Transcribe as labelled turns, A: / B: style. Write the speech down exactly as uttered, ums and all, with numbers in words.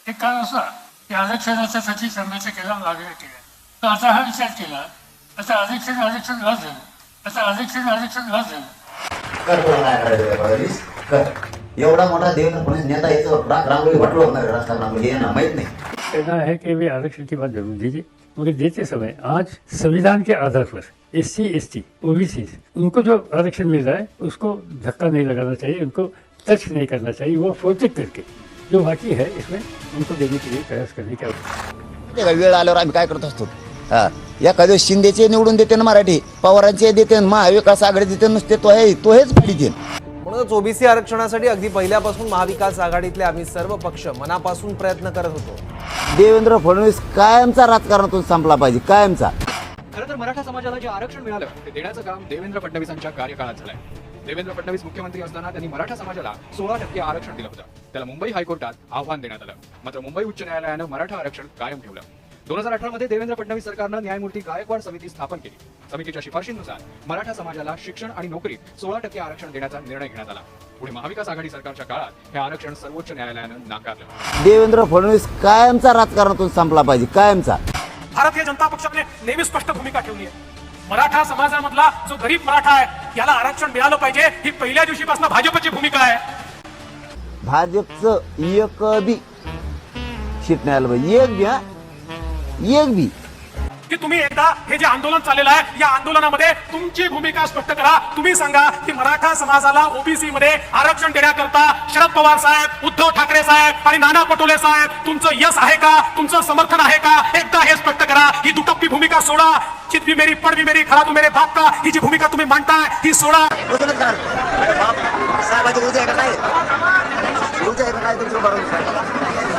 A: एक काळ असा की आरक्षणाच्यासाठी संघर्ष केला, मागण्या केल्या. तर आता हा विचार केला, आता आरक्षण आरक्षण रद्द झालं, आता आरक्षण आरक्षण रद्द झालं.
B: कर तुला काय करायचं फडणवीस कर. एवढा मोठा देवेंद्र फडणवीस नेता याचं राग रांगोळी वाटलो होणार राजकारणामध्ये हे ना माहित नहीं.
A: कहना है कि वे आरक्षण की बात जरूर दीजिए, मगर देते समय आज संविधान के आधार पर S C S T O B C उनको जो आरक्षण मिल रहा है उसको धक्का नहीं लगाना चाहिए, उनको टच नहीं करना चाहिए. वो प्रोटेक्ट करके जो बाकी है इसमें उनको देने के लिए प्रयास करने की आवश्यकता है.
C: वेळ आल्यावर आम्ही काय करत असतो, हा एखाद्या शिंदेचे निवडून देते ना मराठी, पवारांचे देते, महाविकास आघाडी देते, नुसते तो आहे तो हेच पाहिजे.
D: म्हणूनच ओबीसी आरक्षणासाठी अगदी पहिल्यापासून महाविकास आघाडीतले आम्ही सर्व पक्ष मनापासून प्रयत्न करत होतो.
C: देवेंद्र फडणवीस कायमचा राजकारणातून संपला पाहिजे, कायमचा.
E: खरं तर मराठा समाजाला जे आरक्षण मिळालं ते देण्याचं काम देवेंद्र फडणवीसांच्या कार्यकाळात झालंय. देवेंद्र फडणवीस मुख्यमंत्री असताना त्यांनी मराठा समाजाला सोळा टक्के आरक्षण दिलं होतं. त्याला मुंबई हायकोर्टात आव्हान देण्यात आलं, मात्र मुंबई उच्च न्यायालयानं मराठा आरक्षण कायम ठेवलं. दोन हजार अठरा मध्ये देवेंद्र फडणवीस सरकारनं न्यायमूर्ती गायकवाड समिती स्थापन केली. समितीच्या शिफारशींनुसार मराठा समाजाला शिक्षण आणि नोकरीत सोळा टक्के आरक्षण देण्याचा निर्णय घेण्यात आला. पुढे महाविकास आघाडी सरकारच्या काळात हे आरक्षण सर्वोच्च न्यायालयानं नाकारलं.
C: देवेंद्र फडणवीस कायमचा राजकारणातून संपला पाहिजे, कायमचा.
F: भारतीय जनता पक्षाने नेहमी स्पष्ट भूमिका ठेवली आहे. मराठा समाजामधला जो गरीब मराठा आहे याला आरक्षण मिळालं पाहिजे, ही पहिल्या दिवशीपासून भाजपची भूमिका आहे.
C: भाजपचं एक बी सीट नाही आलं पाहिजे, एक बी. हा एक बी
F: की तुम्ही एकदा हे जे आंदोलन चाललेलं आहे या आंदोलनामध्ये तुमची भूमिका स्पष्ट करा. तुम्ही सांगा की मराठा समाजाला ओबीसी मध्ये आरक्षण देण्याकरता शरद पवार साहेब, उद्धव ठाकरे साहेब आणि नाना पटोले साहेब तुमचं यश आहे का, तुमचं समर्थन आहे का, एकदा हे स्पष्ट करा. ही दुटप्पी भूमिका सोडा. चित भी मेरी पड भी मेरी खरा तू मेरे बाप का, ही जी भूमिका तुम्ही मांडताय ही सोडा.
C: साहेबांची उद्या काय उद्या काय तुमचं बरोबर